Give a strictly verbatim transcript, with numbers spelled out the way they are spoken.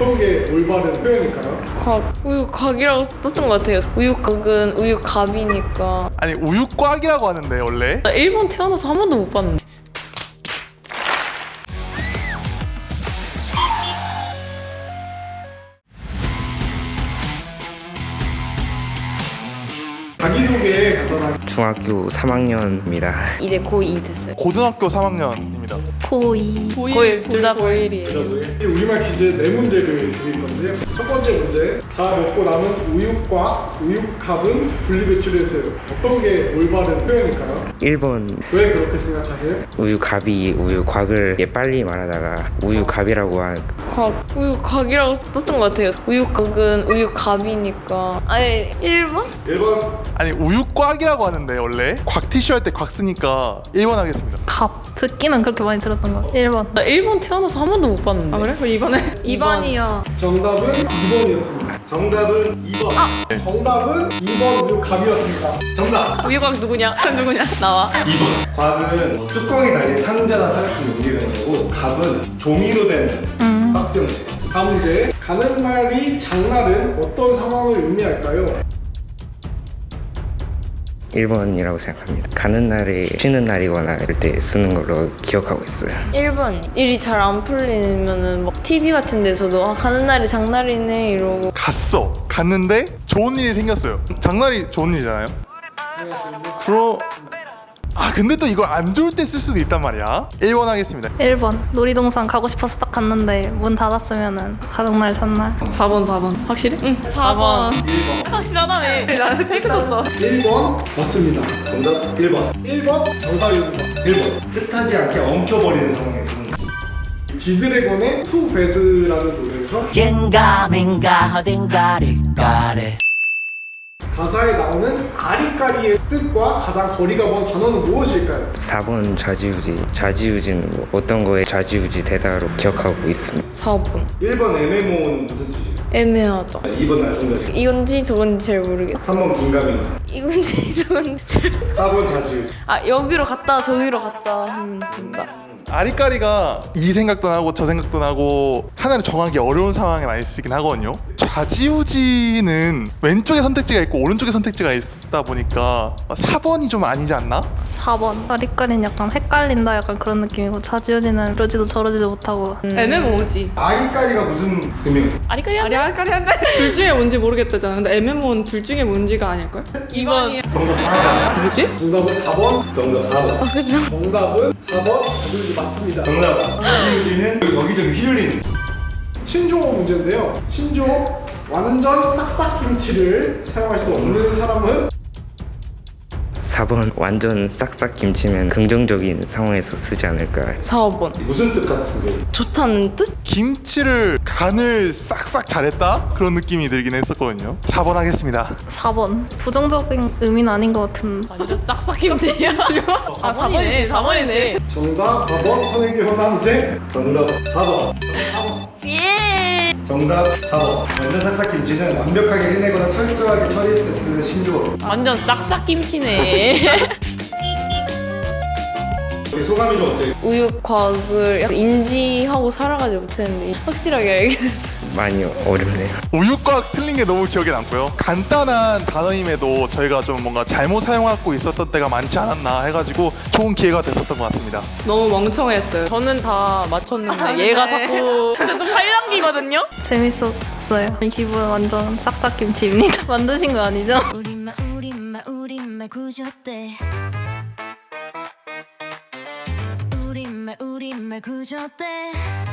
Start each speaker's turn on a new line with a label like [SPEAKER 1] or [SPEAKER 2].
[SPEAKER 1] 어떤 게 올바른 표현일까요?
[SPEAKER 2] 곽, 우유곽이라고 썼던 것 같아요. 우유곽은 우유갑이니까.
[SPEAKER 3] 아니 우유곽이라고 하는데 원래.
[SPEAKER 2] 나 일본 태어나서 한 번도 못 봤는데.
[SPEAKER 1] 자기소개 간단하게.
[SPEAKER 4] 중학교 삼 학년입니다.
[SPEAKER 2] 이제 고이 됐어요.
[SPEAKER 3] 고등학교 삼 학년입니다.
[SPEAKER 2] 고이. 고일. 둘 다 고일이에요.
[SPEAKER 1] 우리말 퀴즈 네 문제를 드릴 건데요. 첫 번째 문제. 다 먹고 남은 우유과, 우유값은 분리배출해서요. 어떤 게 올바른 표현일까요?
[SPEAKER 4] 일 번
[SPEAKER 1] 왜 그렇게 생각하세요?
[SPEAKER 4] 우유갑이 우유곽을 빨리 말하다가 우유갑이라고 하는
[SPEAKER 2] 곽, 우유곽이라고 썼던 것 같아요. 우유곽은 우유갑이니까. 아니, 일 번?
[SPEAKER 1] 일 번.
[SPEAKER 3] 아니 우유곽이라고 하는데 원래 곽티슈 할 때 곽 쓰니까 일 번 하겠습니다.
[SPEAKER 5] 갑 듣기는 그렇게 많이 들었던 것 같아. 일 번.
[SPEAKER 2] 나 일본 태어나서 한 번도 못 봤는데.
[SPEAKER 6] 아 그래? 그럼 이번에
[SPEAKER 2] 이 번이요.
[SPEAKER 1] 정답은 이 번이었습니다. 정답은 이 번. 정답은 이 번 우유값이었습니다. 정답.
[SPEAKER 2] 우유곽 누구냐? 누구냐? 나와.
[SPEAKER 7] 이 번. 곽은 뚜껑이 달린 상자나 사각형 용기를 거고 갑은 종이로 된 박스 형태.
[SPEAKER 1] 다음 문제. 가는 날이 장날은 어떤 상황을 의미할까요?
[SPEAKER 4] 일 번이라고 생각합니다. 가는 날이 쉬는 날이거나 이럴 때 쓰는 걸로 기억하고 있어요.
[SPEAKER 2] 일 번. 일이 잘 안 풀리면은 막 티비 같은 데서도 아, 가는 날이 장날이네 이러고.
[SPEAKER 3] 갔어. 갔는데 좋은 일이 생겼어요. 장날이 좋은 일이잖아요. 그러 아 근데 또 이거 안 좋을 때 쓸 수도 있단 말이야. 일 번 하겠습니다.
[SPEAKER 5] 일 번. 놀이동산 가고 싶어서 딱 갔는데 문 닫았으면은 가는 날 전날.
[SPEAKER 6] 사 번 사 번 확실해? 응 사 번 확실하다네. 나는 페이크 쳤어.
[SPEAKER 1] 일 번 맞습니다.
[SPEAKER 7] 정답 일 번.
[SPEAKER 1] 일 번 정답입니다.
[SPEAKER 7] 일 번. 뜻하지 않게 엉켜버리는 상황에 쓰는 거.
[SPEAKER 1] 지드래곤의 투 배드라는 노래에서
[SPEAKER 8] 겐가민가 어딘가를 가래
[SPEAKER 1] 가사에 나오는 아리까리의 뜻과 가장 거리가 먼 단어는 무엇일까요?
[SPEAKER 4] 사 번 좌지우지. 좌지우지는 뭐 어떤 거에 좌지우지 되다로 기억하고 있습니다.
[SPEAKER 2] 사 번.
[SPEAKER 7] 일 번 애매모호는 무슨 뜻이에요?
[SPEAKER 2] 애매하다.
[SPEAKER 7] 이 번 날송가지.
[SPEAKER 2] 이건지 저건지 잘 모르겠어.
[SPEAKER 7] 삼 번 긴가민가.
[SPEAKER 2] 이건지 저건지 잘.
[SPEAKER 7] 사 번 자주.
[SPEAKER 2] 아 여기로 갔다 저기로 갔다 하면 된다.
[SPEAKER 3] 아리까리가 이 생각도 나고 저 생각도 나고 하나를 정하기 어려운 상황에 많이 쓰긴 하거든요. 좌지우지는 왼쪽에 선택지가 있고 오른쪽에 선택지가 있다 보니까 사 번이 좀 아니지 않나?
[SPEAKER 5] 사 번. 아리까리는 약간 헷갈린다 약간 그런 느낌이고 좌지우지는 이러지도 저러지도 못하고.
[SPEAKER 6] 애매모호지.
[SPEAKER 7] 아리까리가 무슨 의미가?
[SPEAKER 6] 아리까리한데? 아리까리한데? 둘 중에 뭔지 모르겠다잖아. 근데 애매모호는 둘 중에 뭔지가 아닐걸? 이 번이
[SPEAKER 7] 정답 사 번.
[SPEAKER 6] 뭐지?
[SPEAKER 1] 정답은 사 번.
[SPEAKER 7] 정답 사 번.
[SPEAKER 2] 그죠?
[SPEAKER 1] 정답은 사 번. 자주우지 맞습니다.
[SPEAKER 7] 정답. 자주우지는 여기저기 휘둘리는.
[SPEAKER 1] 신조어 문제인데요. 신조어 완전 싹싹김치를 사용할 수 없는 사람은
[SPEAKER 4] 사 번 완전 싹싹 김치면 긍정적인 상황에서 쓰지 않을까.
[SPEAKER 2] 사 번.
[SPEAKER 7] 무슨 뜻 같은 게?
[SPEAKER 2] 좋다는 뜻?
[SPEAKER 3] 김치를 간을 싹싹 잘했다? 그런 느낌이 들긴 했었거든요. 사 번 하겠습니다.
[SPEAKER 5] 사 번. 부정적인 의미는 아닌 것 같은.
[SPEAKER 2] 완전 싹싹김치야. 사 번이네. 사 번이네.
[SPEAKER 1] 정답 사 번. 선행기 현황제.
[SPEAKER 7] 정답 사 번.
[SPEAKER 2] 예.
[SPEAKER 7] 정답 사 번. 완전 싹싹김치는 완벽하게 해내거나 철저하게 처리했을 때 쓰는 신조어.
[SPEAKER 2] 완전 싹싹김치네.
[SPEAKER 7] 우리 소감이 좀 어때요?
[SPEAKER 2] 우유곽을 약간 인지하고 살아가지 못했는데 확실하게 알게 됐어.
[SPEAKER 4] 많이 어렵네요.
[SPEAKER 3] 우유곽 틀린 게 너무 기억에 남고요. 간단한 단어임에도 저희가 좀 뭔가 잘못 사용하고 있었던 때가 많지 않았나 해가지고 좋은 기회가 됐었던 것 같습니다.
[SPEAKER 6] 너무 멍청했어요.
[SPEAKER 2] 저는 다 맞췄는데 얘가 자꾸 진짜 좀 팔랑기거든요?
[SPEAKER 5] 재밌었어요. 기분 완전 싹싹김치입니다. 만드신 거 아니죠?
[SPEAKER 9] 우리말 우리말 우리말 구조대 우리말 우리말 구조대